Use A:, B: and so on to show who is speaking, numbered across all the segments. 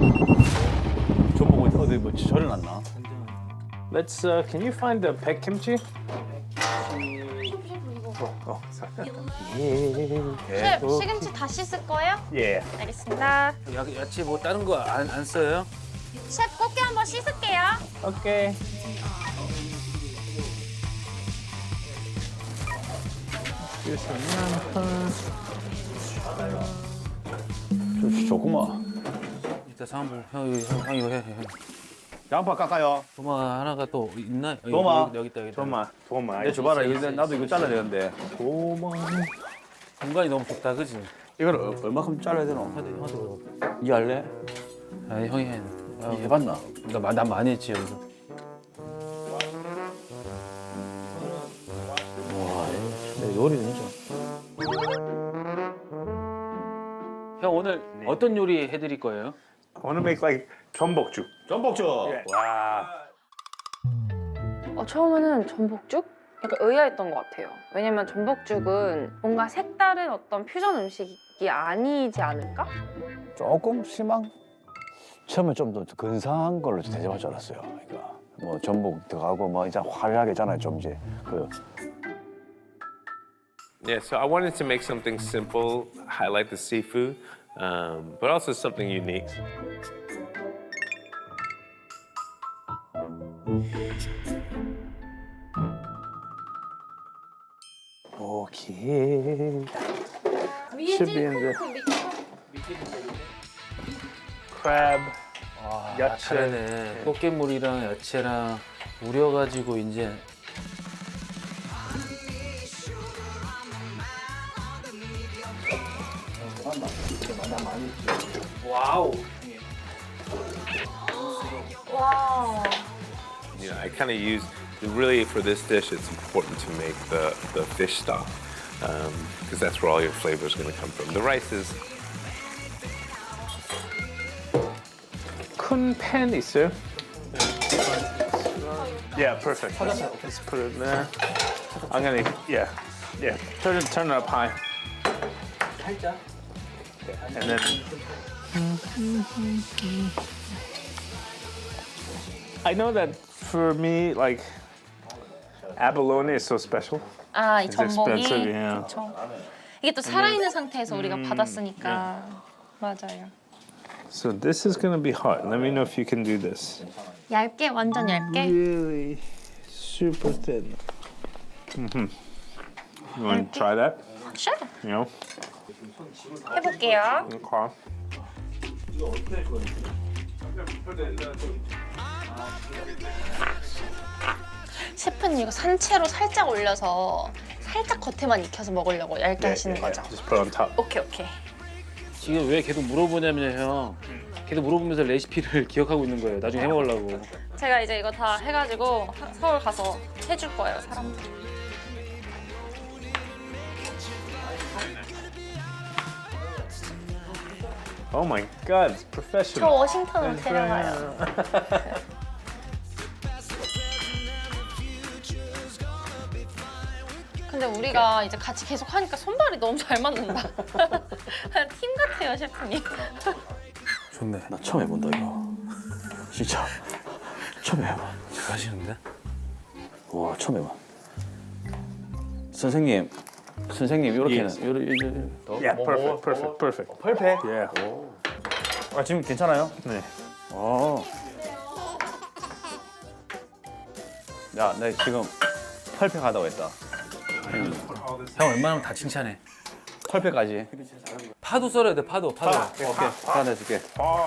A: 저 보고 어디 뭐 절을 놨나?
B: Let's. Can you find the peg kimchi?
C: 셰프, 시금치 다 씻을 거예요?
B: Yeah.
C: 알겠습니다.
D: 야채 뭐 다른 거 안 써요?
C: 셰프, 꽃게 한번 씻을게요.
B: Okay. Here's some 양파.
A: 좋구만.
D: 이따 상불 형 이거 해.
A: 양파 깎아요.
D: 도마 하나가 또 있나?
A: 도마.
D: 여기 있다.
B: 도마.
A: 내 줘봐라. 이거 나도 이거 잘라야 되는데.
D: 공간이 너무 좁다, 그지?
A: 이걸 얼마큼 잘라야 되노?
D: 형도
A: 이 할래?
D: 아, 형이 해.
A: 이 해봤나?
D: 난 많이 했지 여기서.
A: 내 요리는 진짜.
D: 형 오늘 어떤 요리 해드릴 거예요?
B: I want to make like 전복죽.
A: 전복죽.
B: 와.
E: 처음에는 전복죽? 약간 의아했던 것 같아요. 왜냐면 전복죽은 뭔가 색다른 어떤 퓨전 음식이 아니지 않을까?
A: 조금 실망? 처음에 좀 더 근사한 걸로 대접할 줄 알았어요. 그러니까 뭐 전복 들어가고 뭐 이제 화려하게잖아요. 좀 이제 그
F: Yeah, so I wanted to make something simple, highlight the seafood, but also something unique.
A: 오케이.
B: Should be in the crab. 야채.
D: 잘하네. 꽃게물이랑 야채랑 우려가지고 이제 와우.
C: 와.
F: You know, I kind of use really for this dish. It's important to make the fish stock because that's where all your flavor is going to come from. The rice is
B: 큰 팬 있어요? Yeah, perfect. Let's put it there. I'm gonna. Yeah. Turn it up high. And then. I know that for me, like abalone is so special.
C: 아, 이
B: It's
C: 전복이.
B: expensive, yeah.
C: 그쵸. 이게 또 살아있는 상태에서 우리가 받았으니까. 맞아요.
B: So this is gonna be hard. Let me know if you can do this.
C: 얇게, 완전 얇게.
B: Really super thin. You want to try that?
C: Sure.
B: You know.
C: 해볼게요.
B: Okay.
C: 셰프는 이거 산채로 살짝 올려서 살짝 겉에만 익혀서 먹으려고 얇게 하시는 거죠?
B: Just put on top.
C: 오케이, 오케이.
D: 지금 왜 계속 물어보냐면 형 계속 물어보면서 레시피를 기억하고 있는 거예요. 나중에 해먹으려고.
C: 제가 이제 이거 다 해가지고 서울 가서 해줄 거예요, 사람들.
B: Oh my God, it's
C: 저
B: professional.
C: 워싱턴으로 데려가요. 근데 우리가 이제 같이 계속 하니까 손발이 너무 잘 맞는다. 팀 같아요, 셰프님.
D: 좋네.
A: 나 처음 해본다 이거. 진짜 처음 해봐.
D: 잘하시는데?
A: 와 처음 해봐. 선생님 이렇게는
B: Yes.
A: 이렇게
B: Yeah, perfect.
A: 펄페.
B: Yeah.
A: 아 지금 괜찮아요?
B: 네.
A: 어. 야, 나 지금 펄페 가다고 했다.
D: 형 웬만하면 다 칭찬해.
A: 펄페까지.
D: 파도 썰어야 돼, 파도.
A: 오케이. 다 내줄게.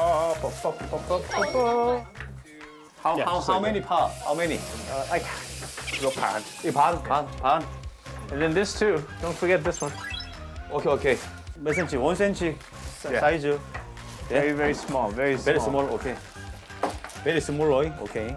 A: How many 파? How many?
B: Like 이거 반.
A: 이 반.
B: And then this too. Don't forget this one.
A: 오케이. 몇 센치? 1cm 사이즈.
B: Very small. Very small.
A: Very small. 오케이. Very small, 오이. 오케이.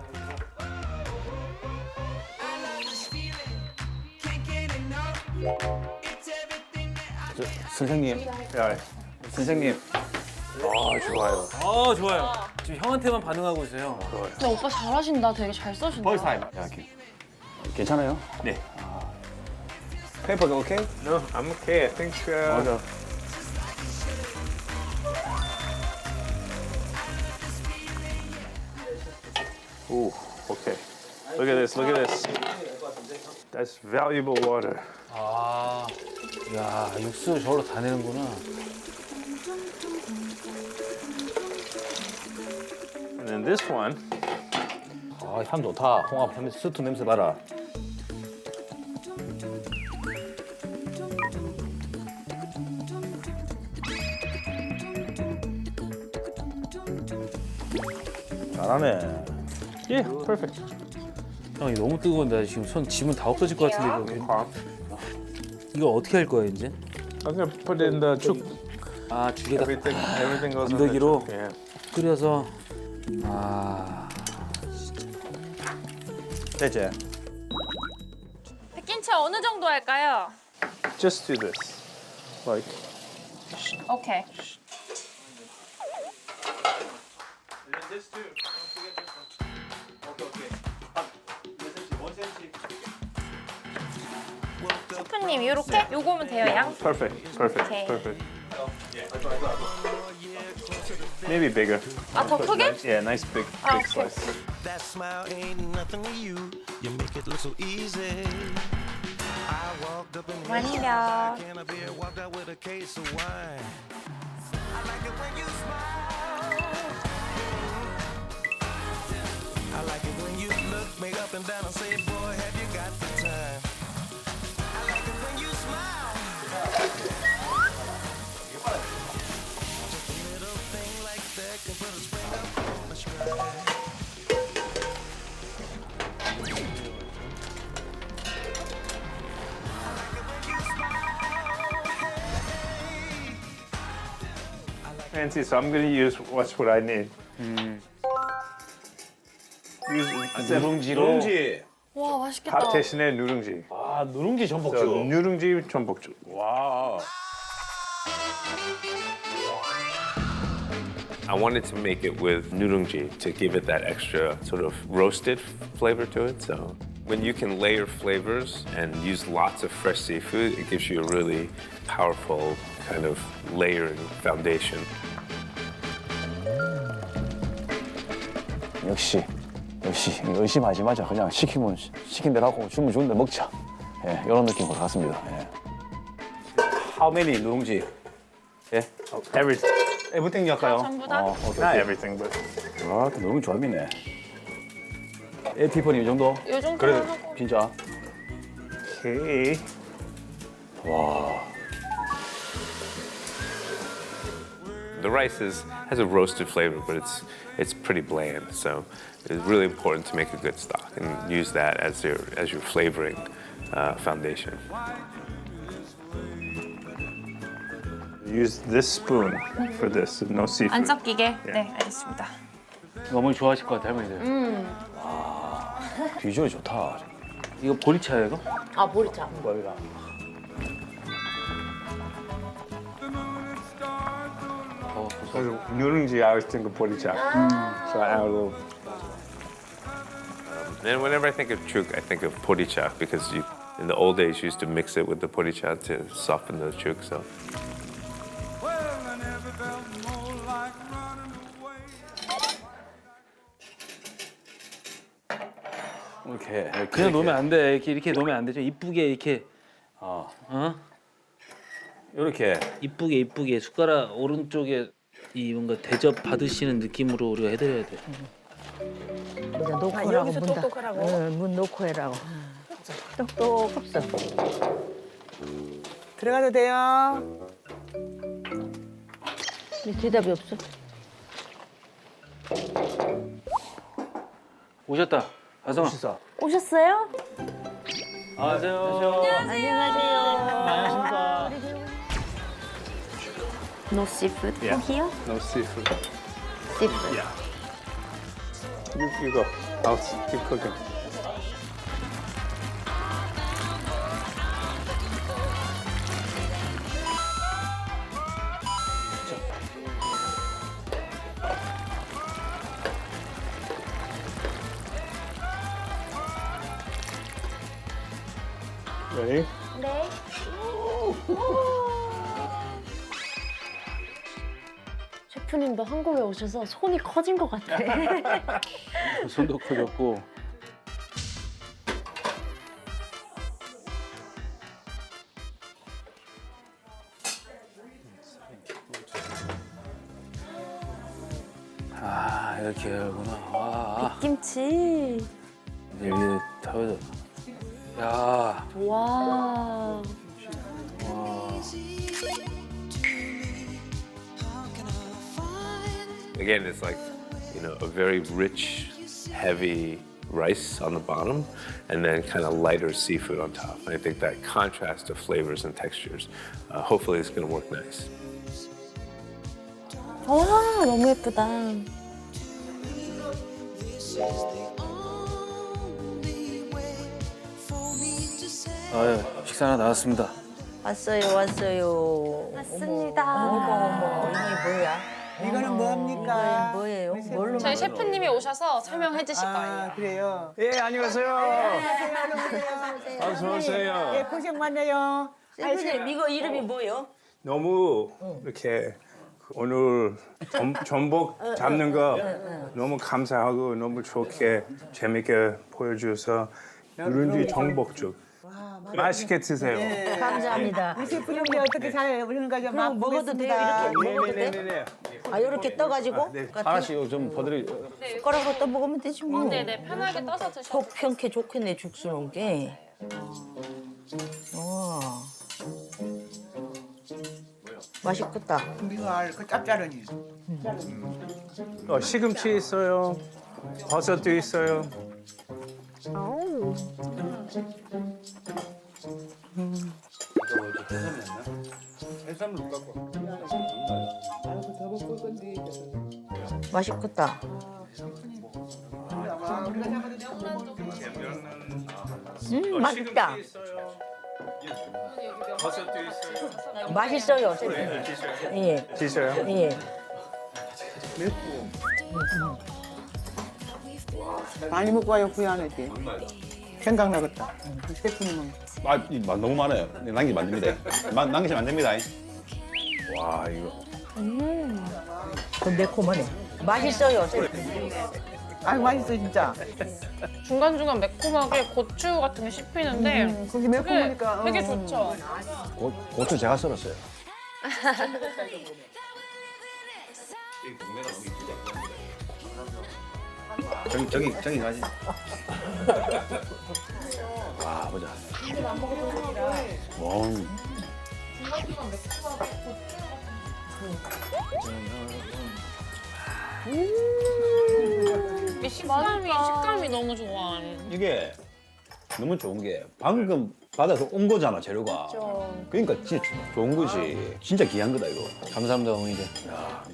A: 선생님.
B: Yeah.
A: 선생님.
B: 좋아요.
D: 좋아요. 지금 형한테만 반응하고 있어요.
C: 근데 오빠 잘하신다. 되게 잘 써신다.
A: First time. 야, 괜찮아요?
B: 네.
A: 페이퍼가 오케이?
B: No, I'm okay. I think.
A: 맞아.
B: Ooh, okay. Look at this, look at this. That's valuable water.
D: 아, 야 육수 저걸로 다 내는구나.
B: And then this one,
A: 아, 향 좋다. 홍합 향 스프 냄새 봐라. 잘하네.
B: yeah, perfect.
D: 형이 너무 뜨거운데 나 지금 손 지문 다 없어질 것 같은데 이거. 이거 어떻게 할 거야 이제?
B: I'm gonna put in the chuk.
D: 아 죽에다
B: Everything goes in the
D: 건더기로?
B: chuk. Yeah.
D: 끓여서 아
A: 됐지?
E: 백김치 어느 정도 할까요?
B: Just do this. Like,
E: 오케이. 셰프님 이렇게? 요거면 돼요 양?
B: perfect, perfect,
E: Okay.
B: perfect. Maybe bigger.
E: 아 더 크게?
B: Yeah, nice big,
E: Ah,
B: big
E: okay.
B: slice.
G: That smile ain't nothing to you. You make it look so easy. I walked up in here,
E: 완벽.
G: can I be walked out with a case of wine. I like it when you smile. I like it when you look me up and down and say, boy, have you got the time? I like it when you smile. Just a little thing like that can put a spring up on my stride.
B: Fancy, so I'm gonna use what's what I need. Use
A: 누룽지.
C: 와 맛있겠다.
B: 밥 대신에 누룽지.
A: 아, 누룽지
B: So,
A: 전복죽.
B: 누룽지 전복죽.
A: 와.
F: I wanted to make it with nurungji to give it that extra sort of roasted flavor to it. So when you can layer flavors and use lots of fresh seafood, it gives you a really powerful kind of layering foundation.
A: 역시 의심하지 마자. 그냥 시키면 시킨 대로 하고 주면 주는 대로 먹자. 예, 이런 느낌으로 갔습니다. 예. How many 누룽지? 예?
B: Everything.
A: everything 할까요?
E: 전부 다?
A: 오케이,
B: Not
A: 오케이.
B: everything, but
A: 아, 너무 조합이네. 티ffany 이 정도?
E: 요 정도만
A: 그래,
E: 하고.
A: 진짜.
B: okay.
F: The rice has a roasted flavor, but it's pretty bland. So it's really important to make a good stock and use that as your flavoring foundation.
B: Use this spoon for this. No seafood.
E: 안 섞이게? 네 알겠습니다.
D: 어머니 좋아하실 것 같아 할머니들.
A: 비주얼이 좋다.
D: 이거 보리차예요 이거?
H: 아 보리차.
A: 머리가.
B: So 누룽지, I always think of 보리차. So I add a little.
F: And whenever I think of chuk, I think of poricha because in the old days you used to mix it with the poricha to soften the chuk. So
A: 이렇게.
D: 그냥 놓으면 안 돼. 이렇게 놓으면 안 되죠. 이쁘게 이렇게
A: 이렇게.
D: 이쁘게 숟가락 오른쪽에 이 뭔가 대접 받으시는 느낌으로 우리가 해드려야 돼.
H: 이제 놓고 하라고
I: 여기서
H: 문다.
I: 똑똑하라고?
H: 응, 문 놓고 해라고. 똑똑없어.
I: 들어가도 돼요.
H: 근데 대답이 없어.
D: 오셨다. 아성아.
A: 식사.
H: 오셨어요?
D: 안녕하세요.
A: 안녕하십니까.
E: No seafood
B: Yeah.
E: here?
B: No seafood.
E: Seafood.
B: Yeah. You go. I'll keep cooking. Ready?
E: 네. 셰프
H: 셰프님도 한국에 오셔서 손이 커진 것 같아.
D: 손도 커졌고. 아 이렇게 하구나. 와.
H: 김치.
D: 여기 타워져. 야.
H: 와.
F: Again, it's like, a very rich, heavy rice on the bottom, and then kind of lighter seafood on top. And I think that contrast of flavors and textures, hopefully, is going to work nice.
H: 와, 너무 예쁘다.
D: 아유 식사 하나 나왔습니다.
I: 왔어요, 왔어요.
H: 맞습니다.
I: 어머, 이게 뭐야? 이거는 뭐합니까?
H: 뭐예요? 뭘로
C: 저희 셰프님이 오셔서 설명해 주실 거예요.
I: 그래요.
B: 예, 안녕하세요. 어서 오세요.
I: 예, 고생 많네요.
H: 셰프님 이거 이름이 뭐예요?
B: 너무 이렇게 오늘 전복 잡는 거 너무 감사하고 너무 좋게 재밌게 보여줘서 누룽지 전복죽 맛있게 드세요.
H: 감사합니다.
I: 우리 셰프님이 어떻게 잘 우리는가 좀
H: 그럼 먹어도 돼요? 이렇게 먹어도 돼?
B: 네네네네.
H: 아 이렇게 떠가지고
A: 하나씩 좀 버들이.
H: 숟가락으로 떠 먹으면 되지 뭐.
C: 네네, 편하게 떠서 드셔도
H: 속 편케 좋겠네 죽수 놓은 게. 와. 맛있겠다.
I: 우리가 그 짭짤하니.
B: 시금치 있어요. 버섯도 있어요.
H: 맛있겠다. 맛있다.
B: 버섯도 있어요.
H: 맛있어요. 예.
B: 드셔요.
H: 예.
I: 많이 먹고 와요, 구이하는지. 생각나겠다. 그 셰프님은.
A: 맛 너무 많아요. 남기면 안 됩니다. 남기시면 안 됩니다. 와 이거.
H: 좀 매콤하네. 맛있어요.
I: 아유, 맛있어, 진짜.
C: 중간중간 매콤하게 고추 같은 게 씹히는데
I: 그게 매콤하니까.
C: 되게 좋죠.
A: 고추 제가 썰었어요. 저기 가지. 와 보자.
C: 이 식감이 너무 좋아.
A: 이게 너무 좋은 게 방금 받아서 온 거잖아 재료가. 그러니까 진짜 좋은 거지. 진짜 귀한 거다 이거. 감사합니다 어머니들. 야.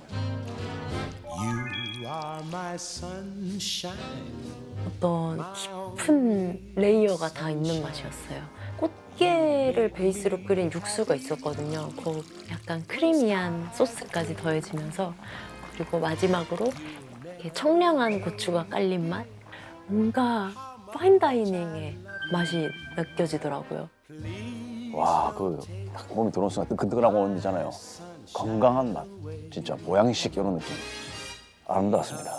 G: You are my sunshine.
H: 어떤 깊은 레이어가 다 있는 맛이었어요. 꽃게를 베이스로 끓인 육수가 있었거든요. 그 약간 크리미한 소스까지 더해지면서 그리고 마지막으로 이렇게 청량한 고추가 깔린 맛? 뭔가 파인다이닝의 맛이 느껴지더라고요.
A: 와, 딱 몸이 들어오는 순간 뜨끈뜨끈하고 오는 데잖아요. 건강한 맛, 진짜 보양식 이런 느낌. 아름다웠습니다.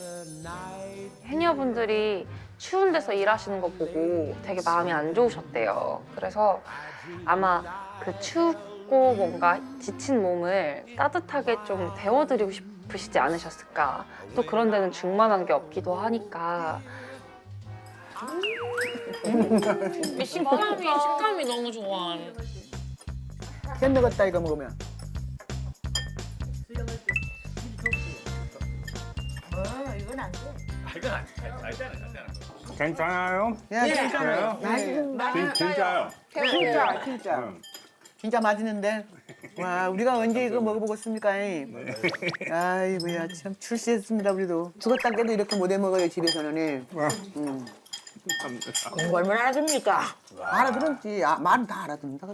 E: 해녀분들이 추운 데서 일하시는 거 보고 되게 마음이 안 좋으셨대요. 그래서 아마 그 춥고 뭔가 지친 몸을 따뜻하게 좀 데워드리고 싶으시지 않으셨을까. 또 그런 데는 중만한 게 없기도 하니까.
C: 이 식감이 너무 좋아.
I: 캔 먹었다, 이거 먹으면.
B: 괜찮아요?
I: 야, 괜찮아요.
B: 진짜요?
I: 진짜. 진짜 맛있는데. 와, 우리가 언제 이거 먹어보겠습니까? 아이고야, 참 출세했습니다, 우리도. 죽었다 깨도 이렇게 못해 먹어요, 집에서는.
H: 공부 얼마나 알아듣습니까?
I: 알아들었지. 말은 다 알아듣는다.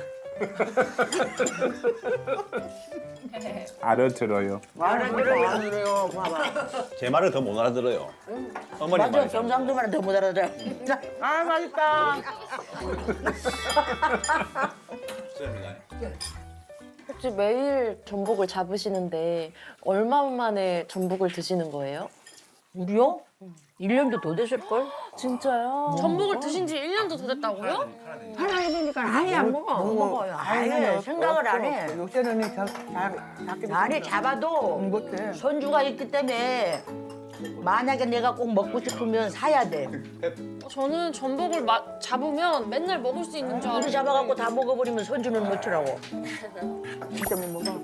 B: 알아들어요.
I: 알아들어요. 봐봐.
A: 제 말을 더 못 알아들어요. 어머니
H: 맞아,
A: 말이죠.
H: 경상도만 더 못 알아들어.
I: 아, 맛있다.
J: 혹시 매일 전복을 잡으시는데 얼마 만에 전복을 드시는 거예요?
H: 우리요? 1년도 더 됐을걸?
J: 진짜요?
C: 전복을 드신 지 1년도 더 됐다고요?
H: 하나 해보니까 아예 안 먹어. 못 먹어요. 아예 생각을 안 해.
I: 요새는
H: 날에 잡아도
I: 못해.
H: 손주가 있기 때문에 만약에 내가 꼭 먹고 싶으면 사야 돼.
C: 저는 전복을 잡으면 맨날 먹을 수 있는 줄
H: 우리
C: 알았는데
H: 잡아갖고 다 먹어버리면 손주는 못 주라고.
I: 진짜 못 먹어.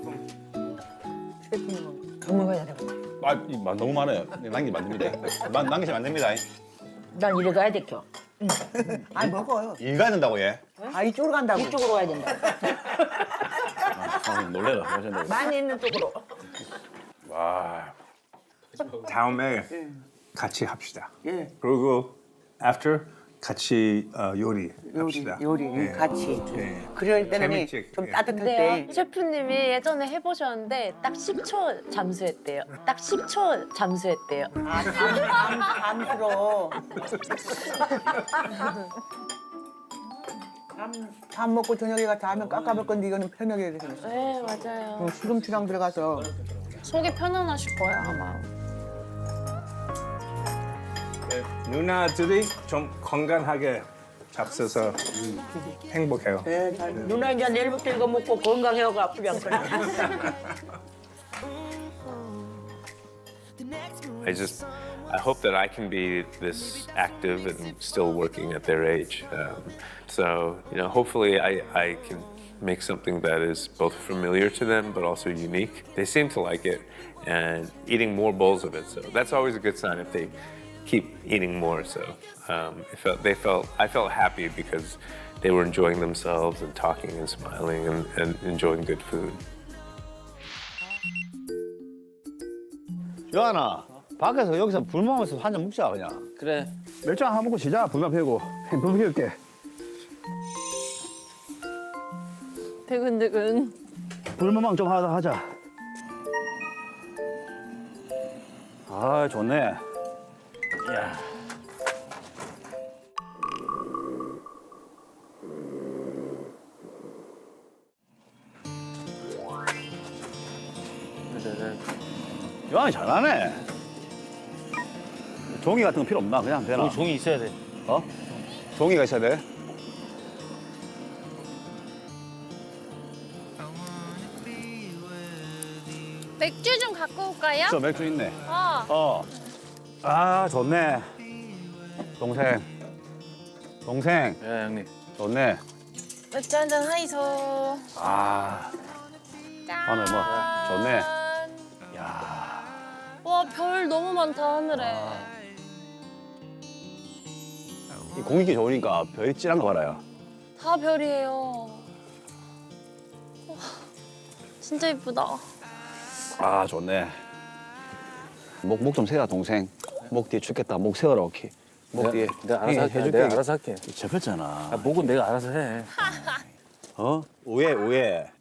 H: 더 먹어야 돼.
A: 너무 많아요. 남기면 안 됩니다. 남기시면 안 됩니다.
H: 난 이리 가야 돼, 켜.
I: 아니 먹어요.
A: 일 가야 된다고 얘.
I: 아 이쪽으로 간다고.
H: 이쪽으로 가야 된다.
A: 놀래라.
H: 많이 있는 쪽으로.
A: 와.
B: 다음에 같이 합시다.
I: 예.
B: 그리고 after 같이 요리 합시다.
I: 요리
B: 예.
I: 같이.
B: 예.
I: 그럴 때는
B: 재밌지?
I: 좀
B: 예.
I: 따뜻할
J: 네,
I: 때.
J: 셰프님이 예전에 해보셨는데 딱 10초 잠수했대요. 딱 10초 잠수했대요.
I: 잠들어. 밥 먹고 저녁에 가서 하면 깎아볼 건데 이거는 편하게 되겠어.
J: 네, 맞아요.
I: 시금치랑 들어가서
C: 속이 편안하실 거예요 아마.
B: 누나들이 좀 건강하게 잡숴서 행복해요.
I: 네, 잘
H: 누나 이제 내일부터 이거 먹고 건강해하고 아프지 않거나.
F: I hope that I can be this active and still working at their age. So, hopefully I can make something that is both familiar to them but also unique. They seem to like it and eating more bowls of it. So that's always a good sign if they keep eating more. So I felt happy because they were enjoying themselves and talking and smiling and enjoying good food.
A: 요한아, 밖에서 여기서 불 먹으면서 한 잔 먹자 그냥.
D: 그래.
A: 맥주 하나 먹고 시작. 불만 피우고. 불 피울게.
J: 드근드근.
A: 불멍망 좀 하자. 아, 좋네. 야. 요한이 잘하네. 종이 같은 거 필요 없나? 그냥 되나?
D: 종이 있어야 돼.
A: 어? 종이가 있어야 돼?
C: 맥주 좀 갖고 올까요?
A: 저 맥주 있네.
C: 어.
A: 아, 좋네. 동생.
D: 예, 형님.
A: 좋네.
C: 맥주 한잔 하이소.
A: 아, 하늘 뭐, 좋네.
C: 와, 별 너무 많다 하늘에.
A: 이 공기 좋으니까 별이 찔한 거 봐라요.
C: 다 별이에요. 와, 진짜 이쁘다.
A: 아, 좋네. 목 좀 세라, 동생. 목 뒤에 죽겠다. 목 세워라, 오케이. 목 뒤에.
D: 내가 알아서 할게.
A: 해줄게.
D: 내가 알아서 할게.
A: 접혔잖아.
D: 목은 내가 알아서 해.
A: 어? 오해.